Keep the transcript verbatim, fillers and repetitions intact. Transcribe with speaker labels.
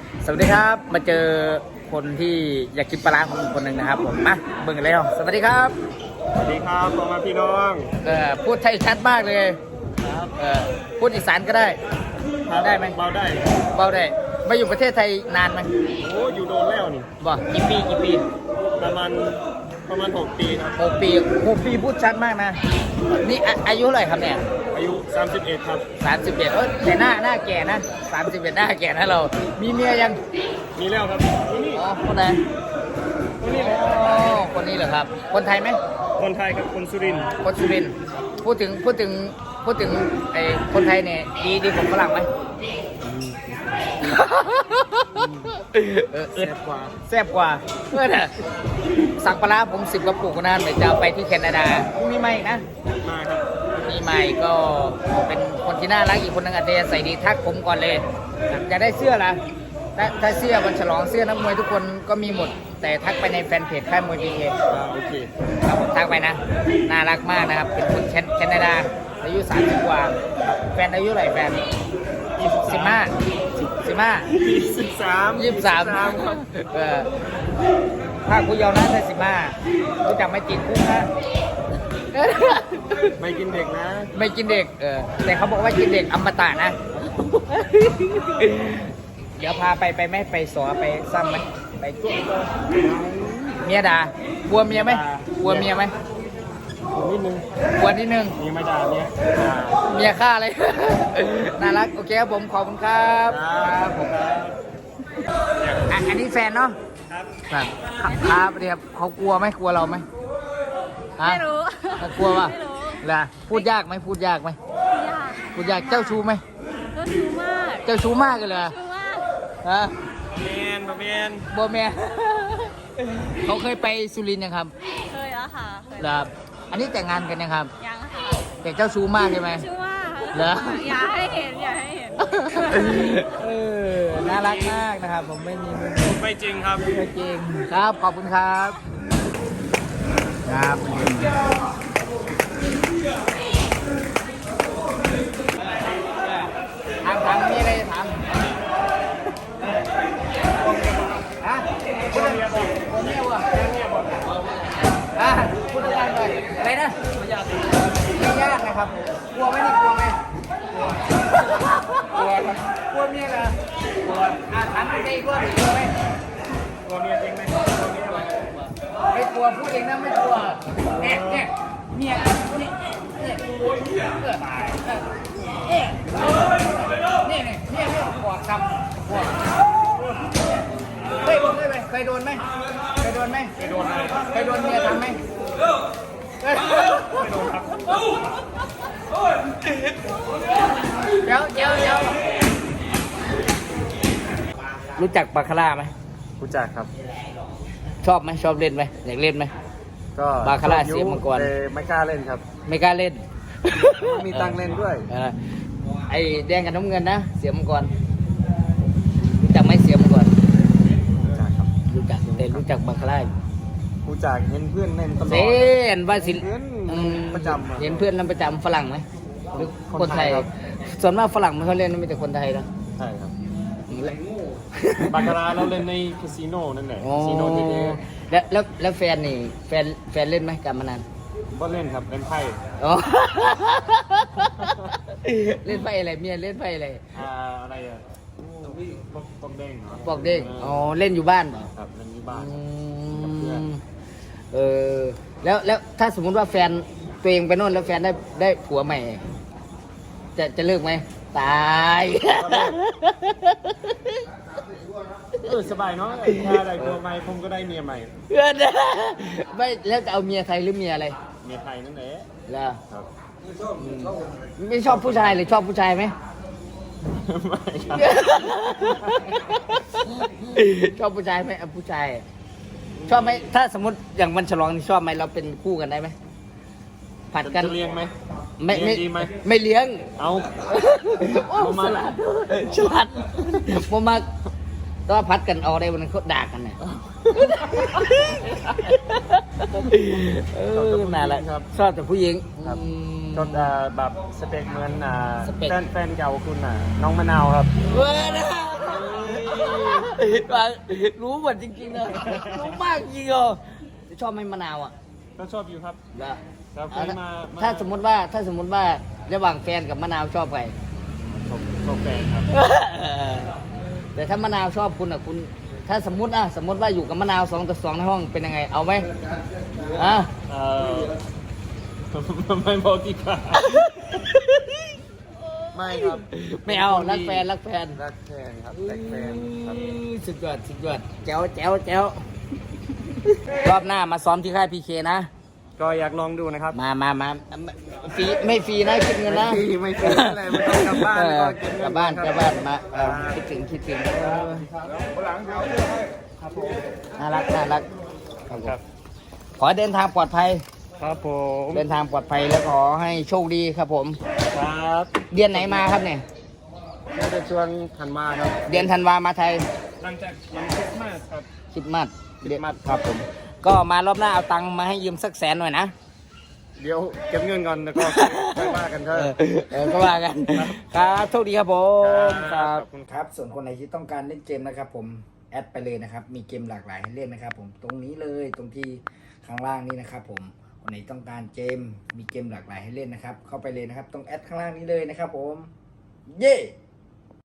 Speaker 1: สวัสดีครับมาเจอคนที่อยากกินปลาร้าของคนหนึ่งนะครับผมมาเบิ่งกันเลยสวัสดีครับ
Speaker 2: สวัสดีครับพ่อแม่พี่น้อง
Speaker 1: เออพูดไทยชัดมากเลยครับเออพูดอีสานก็ได้ได้ไหม
Speaker 2: เบาได้
Speaker 1: เบาได้มาอยู่ประเทศไทยนานไหม
Speaker 2: โอ้อยู่โดนแล้วนี่
Speaker 1: บ่กี่ปีกี่ปี
Speaker 2: ประมาณประมาณหกปีครับ
Speaker 1: หกปีหกปีพูดชัดมากนะนี่อาอายุเท่าไหร่ครับเนี่ย
Speaker 2: อายุสามสิบเอ็ดครับ
Speaker 1: สามสิบเอ็ดเออแต่หน้าหน้าแก่นะสามสิบเอ็ดหน้าแก่นะเรา มีเมียยัง
Speaker 2: มีแล้วครับนี่
Speaker 1: อ๋อคนไหน
Speaker 2: คนนี้แหละ
Speaker 1: อ๋อคนนี้เหรอครับ คนไทยไหม
Speaker 2: คนไทยครับคนสุรินทร์
Speaker 1: คนสุรินทร์พูดถึงพูดถึงพูดถึงไอ้คนไทยเนี่ยดีดีกว่าฝรั่งไหมเออ
Speaker 2: แซ่บกว่า
Speaker 1: แซ่บกว่าเพื่อนอะสั่งปลาร้าผมสิบกระปุกนะเดี๋ยวจะเอาไปที่แคนาดาพรุ่งนี้ไม่นะ
Speaker 2: มาครับ
Speaker 1: มีใหม่ก็เป็นคนที่น่ารักอีกคนนึงอัธยาศัยดีทักผมก่อนเลยจะได้เสื้อละถ้าถ้าเสื้อวันฉลองเสื้อนักมวยทุกคนก็มีหมด แต่ทักไปในแฟนเพจค่ายมวยพีเค
Speaker 2: อ่าโอเค
Speaker 1: ครับผมทักไปนะน่ารักมากนะครับเป็นคนแคนาดาอายุสามสิบกว่าแฟนอายุเท่าไหร่แฟนสิบห้าสิบห้า
Speaker 2: ยี่สิบสาม
Speaker 1: ยี่สิบสาม
Speaker 2: ครับ
Speaker 1: เออภาคกูยาวนะแต่สิบห้ารู้จักไม่กินกุ้งนะ
Speaker 2: ไม่กินเด็กนะ
Speaker 1: ไม่กินเด็ก เออ แต่เขาบอกว่ากินเด็กอมตะนะ เดี๋ยวพาไปไปไหมไปสอไปซ้ำไหมไปจุ๊เมียด่ากลัวเมียไหมกลัวเมียไหม
Speaker 2: ผมนิดนึง
Speaker 1: กลัวนิดนึง
Speaker 2: มีไม่ด่าเนี่ยด่า
Speaker 1: เมียฆ่าเลย น่ารัก โอเคครับผม ขอบคุณครับ
Speaker 2: ครับผมครับ
Speaker 1: อ่ะอันนี้แฟนเนาะ
Speaker 2: ครับ
Speaker 1: ครับครับเรียบเขากลัวไหมกลัวเราไหมฮะ
Speaker 3: ไม่รู้
Speaker 1: กลัวป่ะ
Speaker 3: ไม่รู้
Speaker 1: ล่ะพูดยากไหมพูดยากไหม
Speaker 3: ยาก
Speaker 1: พูดยากเจ้าชู้ไหม
Speaker 3: ก็ชูมาก
Speaker 1: เจ้าชู้มากเลยเหรอ
Speaker 3: ชูมาก
Speaker 1: ฮะ
Speaker 2: เมียนบะเมียน
Speaker 1: โบแมน เขาเคยไปสุรินทร์ยังครับ
Speaker 3: เคยแล้วค่ะเคย
Speaker 1: เหรอครับอันนี้แต่งงานกันยังครับ
Speaker 3: ยังค่ะ
Speaker 1: แต่เจ้าชู้มากใช่ไหม
Speaker 3: ชูมาก
Speaker 1: เหรอ
Speaker 3: อย่าให้เห็นอย่าให้เห็น
Speaker 1: เออน่ารักมากนะครับ ผมไม่มีมือ
Speaker 2: ไม่จริงครับ
Speaker 1: ไม่จริงครับ ขอบคุณครับ ครับถามถามมีอะไรจะถามฮะพูดเรื่องผมเนี่ยวะอ่ะพูดเรื่องอะไรอะไรนะไม่ยากไม่ยากนะครับกลัวไหมนี่กลัวไหมกลัวครับกลัวเมียเหรอกลัวอ่ะถามจริงกลัวหรือกลัวไหม
Speaker 2: ตัวเมียจริงไหมตัวเมียไหม
Speaker 1: ไม่กลัวพูดเองนะไม่กลัวเนี่ยเนี่ยเมียเนี่ยเนี่ยเนี่ยเนี่ยเนี่ยเนี่ยเนี่ยปวดคำปวดเคยเคยไหมเคยโดนไหมเคยโดนไหม
Speaker 2: ไปโดนอะไร
Speaker 1: เคยโดนเมียทำไหม
Speaker 2: ไม่โดนครับ
Speaker 1: เดี๋ยวเดี๋ยวเดี๋ยวรู้จักบาคาร่าไหม
Speaker 2: รู้จักครับ
Speaker 1: ชอบไหมชอบเล่นไหมอยากเล่นไหม
Speaker 2: ก็
Speaker 1: บาคาร่าเสียมังกร
Speaker 2: แต่ไม่กล้าเล่นครับ
Speaker 1: ไม่กล้าเล่น
Speaker 2: ไม่มีตังค์เล่นด้วย
Speaker 1: เออไอ้แดงกับน้ำเงินนะเสียมังกรรู้จักไหมเสียมังกร
Speaker 2: รู้จักครับ
Speaker 1: รู้จักแต่รู้จักบาคาร่า
Speaker 2: รู้จักเห็นเพื่อนเล่นตลอ
Speaker 1: เซ
Speaker 2: ด
Speaker 1: นว่าสิ
Speaker 2: เห็น
Speaker 1: อืม
Speaker 2: ประจำอะ
Speaker 1: เห็นเพื่อนนั่นประจำฝรั่งไหมหรือ
Speaker 2: คน
Speaker 1: คนไทย
Speaker 2: ไทยครับ
Speaker 1: ส่วนมากฝรั่งไม่ค่อยเล่นนะมีแต่คนไทยนะ
Speaker 2: ใช่ครับ
Speaker 1: อืมแล้ว
Speaker 2: บาคาร่าเราเล่นในคาสิโนนั่นแหละ
Speaker 1: อ๋อ
Speaker 2: คาสิโนที่นี่
Speaker 1: แล้วแล้วแล้วแฟนนี่แฟนแฟนเล่นไหมการพนัน
Speaker 2: ก็เล่นครับเล่นไพ่
Speaker 1: อ๋อ เล่นไพ่อะไรเมียเล่นไพ่อะไร
Speaker 2: อ่าอะไรอ่ะปอกปอกเด้งเหรอ
Speaker 1: ปอกเด้งอ๋อเล่นอยู่บ้านเปล่า
Speaker 2: ครับเล่นที่บ้าน
Speaker 1: อื
Speaker 2: กับเพื่อน
Speaker 1: มเออแล้วแล้วถ้าสมมุติว่าแฟนตัวเองไปโน่นแล้วแฟนได้ได้ผัวใหม่ จะจะเลิกไหมตาย
Speaker 2: เออสบายเนาะถ้าได้ตัวใหม่ผมก็ได้เมียใหม่
Speaker 1: เพื่อนไม่แล้วจะเอาเมียไทยหรือเมียอะไร
Speaker 2: เมียไทยนั่นแหละ
Speaker 1: ล่ะ
Speaker 2: ครับ
Speaker 1: ไม่ชอบผู้ชายหรือชอบผู้ชายไหม
Speaker 2: ไม่ครับ
Speaker 1: ชอบผู้ชายไหมเอาผู้ชาย ชอบไหมถ้าสมมติอย่างวันฉลองนี่ชอบไหมเราเป็นคู่กันได้ไหมผัดกัน
Speaker 2: จะเลี้ยงไหม
Speaker 1: ไม่ไม่
Speaker 2: เลี้ยงดีไหม
Speaker 1: ไม่เลี้ยง
Speaker 2: เอา
Speaker 1: โอ้
Speaker 2: ประมา
Speaker 1: ฉ
Speaker 2: ณ
Speaker 1: ลาดฉลาดโมมากก็พัดกันเอาได้วันนั้นเขาด่ากันเนี่ยเออน่ารักชอบแต่ผู้หญิง
Speaker 2: ครับ
Speaker 1: อืม
Speaker 2: ก็อ่าแบบสเปคเหมือนอ่า
Speaker 1: สเปค
Speaker 2: แฟนแฟนเก่าคุณอ่ะน้องมะนาวครับ
Speaker 1: เว้ยนะรู้หมดจริงๆเลยรู้มากจริงเหรอชอบไหมมะนาวอ่ะ
Speaker 2: ก็ชอบอยู่ครับ
Speaker 1: แล้ว
Speaker 2: ครับเค
Speaker 1: อ่ะ
Speaker 2: ยมามา
Speaker 1: ถ้าสมมติว่าถ้าสมมติว่าระหว่างแฟนกับมะนาวชอบใคร
Speaker 2: ชอบชอบแฟนครับ
Speaker 1: แต่ถ้ามะนาวชอบคุณอ่ะคุณ ถ้าสมมติอ่ะสมมติว่าอยู่กับมะนาวสองต่อสองในห้องเป็นยังไงเอาไหมอ่ะ
Speaker 2: เออ ไม่บอกดีกว่าไม่ครับ
Speaker 1: ไม่เอารักแฟนรักแฟน
Speaker 2: รักแฟนครับรักแฟนครับ
Speaker 1: อืมสุดยอดสุดยอดแจ๋วแจ๋วแจ๋วรอบหน้ามาซ้อมที่ค่ายพีเคนะ
Speaker 2: ก็อยากลองดูนะครับ
Speaker 1: มามามาฟรีไม่ฟรีนะคิดเงินนะ
Speaker 2: ไม่ฟรีไม่ฟรีอะไรไม่ต้องกลับบ้าน
Speaker 1: เออ
Speaker 2: ก็เก็บเงิน
Speaker 1: กลับบ้าน
Speaker 2: ครับ
Speaker 1: กลับบ้านมาเออ
Speaker 2: อ่า
Speaker 1: คิดถึงคิดถึงเออน่ารักน่ารักครับผม
Speaker 2: ครับ
Speaker 1: ขอเดินทางปลอดภัย
Speaker 2: ครับผม
Speaker 1: เดินทางปลอดภัยแล้วขอให้โชคดีครับผม
Speaker 2: ครับ
Speaker 1: เดือนไหนมาครับเนี่ย
Speaker 2: ก็จะชวนทันมาครับ
Speaker 1: เดือนธันวามาไทย
Speaker 2: หลังจากวันคริสต์มาสครับ
Speaker 1: คริดมัด
Speaker 2: คริสต์มาส
Speaker 1: ครับผมก็มารอบหน้าเอาตังค์มาให้ยืมสักแสนหน่อยนะ
Speaker 2: เดี๋ยวเก็บเงินก่อนแล้วก็ค่อยว่ากันเถ
Speaker 1: เอ
Speaker 2: อะ
Speaker 1: อเออก็ว่ากันครับโชคดีครับผม
Speaker 2: ครับขอบคุณ
Speaker 1: ครับส่วนคนไหนที่ต้องการเล่นเกมนะครับผมแอดไปเลยนะครับมีเกมหลากหลายให้เล่นนะครับผมตรงนี้เลยตรงที่ข้างล่างนี้นะครับผมคนไหนต้องการเกมมีเกมหลากหลายให้เล่นนะครับเข้าไปเลยนะครับตรงแอดข้างล่างนี้เลยนะครับผมเย้